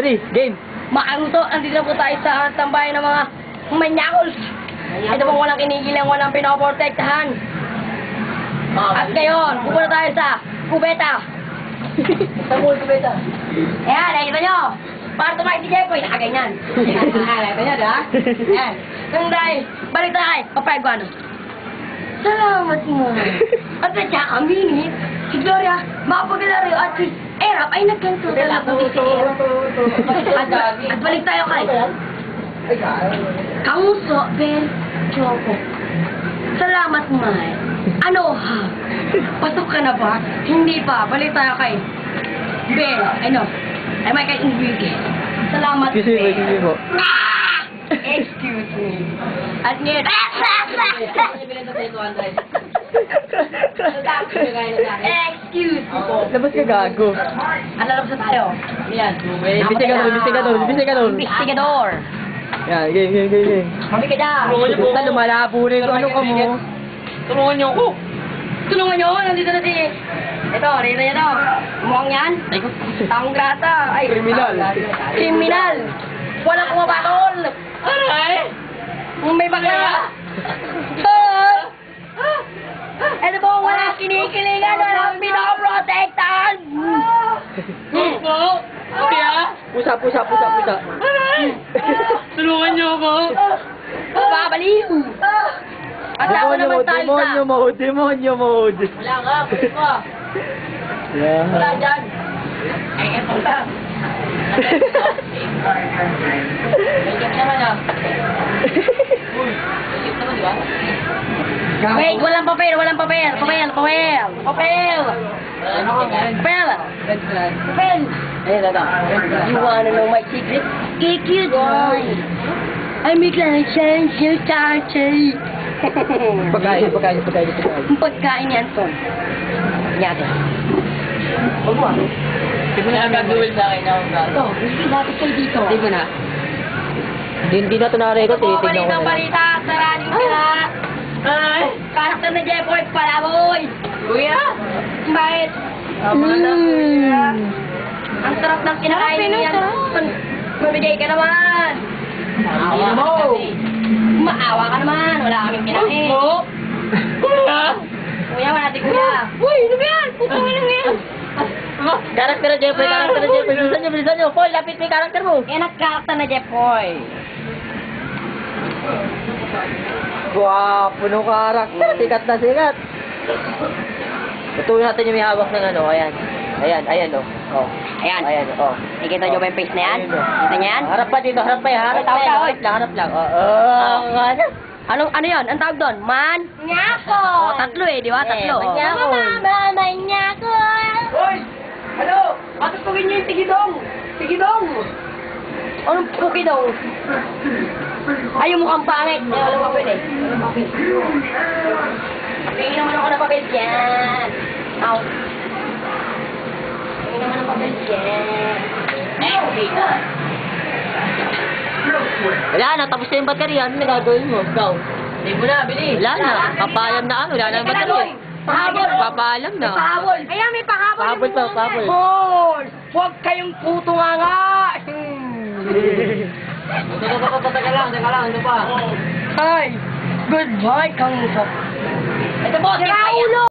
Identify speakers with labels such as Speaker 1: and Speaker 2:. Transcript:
Speaker 1: 3, game.
Speaker 2: Maangto, andito na po tayo sa tambayan ng mga manyakols. Ito pong walang kinikilang, walang pinoprotektahan. At ngayon, pupunta tayo sa kubeta. Sa mall kubeta. Ayan, nakita nyo. Para tumahin si Jeffoy, nakaganyan. Nakita nyo, diba? Ayan. Nung dahil, balik tayo, papayag ko ano. Salamat mo. At sadya kami, si Gloria, Mapagalario at si Erap ay nagkanto talaga si Erap. At balik tayo kay Kamuso Ben Choco. Salamat, Mai. Ano ha? Pasok ka na ba? Hindi pa. Balik tayo kay Ben. Ano? Ay may kay Enrique. Salamat,
Speaker 1: Excuse me,
Speaker 2: Ben.
Speaker 1: excuse me po.
Speaker 2: Excuse me. At ngayon, excuse me po.
Speaker 1: Labas ka gago.
Speaker 2: At lalabas na tayo. Yan.
Speaker 1: Investigador, investigador, investigador.
Speaker 2: Investigador.
Speaker 1: Yan, game.
Speaker 2: Mami ka dyan.
Speaker 1: Puta, lumalabo na yung ano ka mo.
Speaker 3: Tulungan niyo ako.
Speaker 2: Tulungan nyo, nandito na si... Ito, rito yan o. Mukhang yan. Taong grata. Ay,
Speaker 1: Kriminal.
Speaker 2: Kriminal. Walang kumapatol.
Speaker 3: Aray!
Speaker 2: May bagla. Ito po, walang kinikilingan, walang pinoprotektahan.
Speaker 3: Ako? Kuya?
Speaker 1: Pusa.
Speaker 3: Aray! Tulungan niyo ako.
Speaker 2: Babaliw. At ako naman tayo sa...
Speaker 1: Demonyo mode.
Speaker 2: Wala ka, kulit mo.
Speaker 1: Yeah.
Speaker 2: Wala dyan. Ay, eto lang. May naman ah. Naman, di ba? Wait, walang papel.
Speaker 1: Ayun, ito.
Speaker 2: You wanna know my secret? Cute boy. I make like change your charge.
Speaker 1: Pagkain.
Speaker 2: Ang pagkain yan, Son. Nyate. Huwag mo ah.
Speaker 3: Hindi mo na gagawin sa akin ako.
Speaker 2: Ito, hindi natin kayo dito.
Speaker 1: Hindi mo na. Hindi na ito na-record, tinitignan ko na.
Speaker 2: Balita, saraning ka na.
Speaker 3: Ay!
Speaker 2: Karakter na Jeffoy, palaboy.
Speaker 3: Kuya!
Speaker 2: Bakit? Ang sarap ng kinakain niyan. Mamigay ka naman. Maawa ka naman. Wala kaming kinain.
Speaker 3: Kuya!
Speaker 2: Kuya, wala natin kuya. Uy, ano ba yan? Putang ina mo yan.
Speaker 1: Karakter na Jeffoy. Bilisan nyo. Paul, lapit mo yung karakter mo.
Speaker 2: Yan ang karakter na Jeffoy.
Speaker 1: Gwapo no karakter. Sikat. Tutuloy natin yung may hawak ng ano. Ayan, oh.
Speaker 2: Ayan.
Speaker 1: Oh.
Speaker 2: Nakikita nyo ba yung face na yan?
Speaker 1: Ayun, oh.
Speaker 2: Kita nyo yan?
Speaker 1: Harap pa dito, harap pa. Harap lang.
Speaker 2: Ano yun? Ang tawag doon? Nyako! O, tatlo eh, di ba? Tatlo.
Speaker 1: Manyako.
Speaker 2: Manyako!
Speaker 3: Hoy! Ano? Patutugin niyo yung tigidong!
Speaker 2: Anong puki daw? Ay, yung mukhang pangit. Ay, walang papel eh. Tingin naman ako ng papel dyan. Ow. Tingin naman ng papel dyan. Okay na.
Speaker 1: Wala na, tapos na yung baterya. Ano na gagawin mo? Ikaw.
Speaker 3: Hindi mo na, bili!
Speaker 1: Wala na. Papalam na ano. Wala na yung baterya.
Speaker 2: Pahabol!
Speaker 1: Papalam na.
Speaker 2: Pahabol! Ayan, may pahabol!
Speaker 1: Pahabol pa, pahabol.
Speaker 2: Pahabol! Huwag kayong puto nga!
Speaker 3: Teka lang, ano pa?
Speaker 2: Ay! Goodbye, Kang Ito po, si Raulo!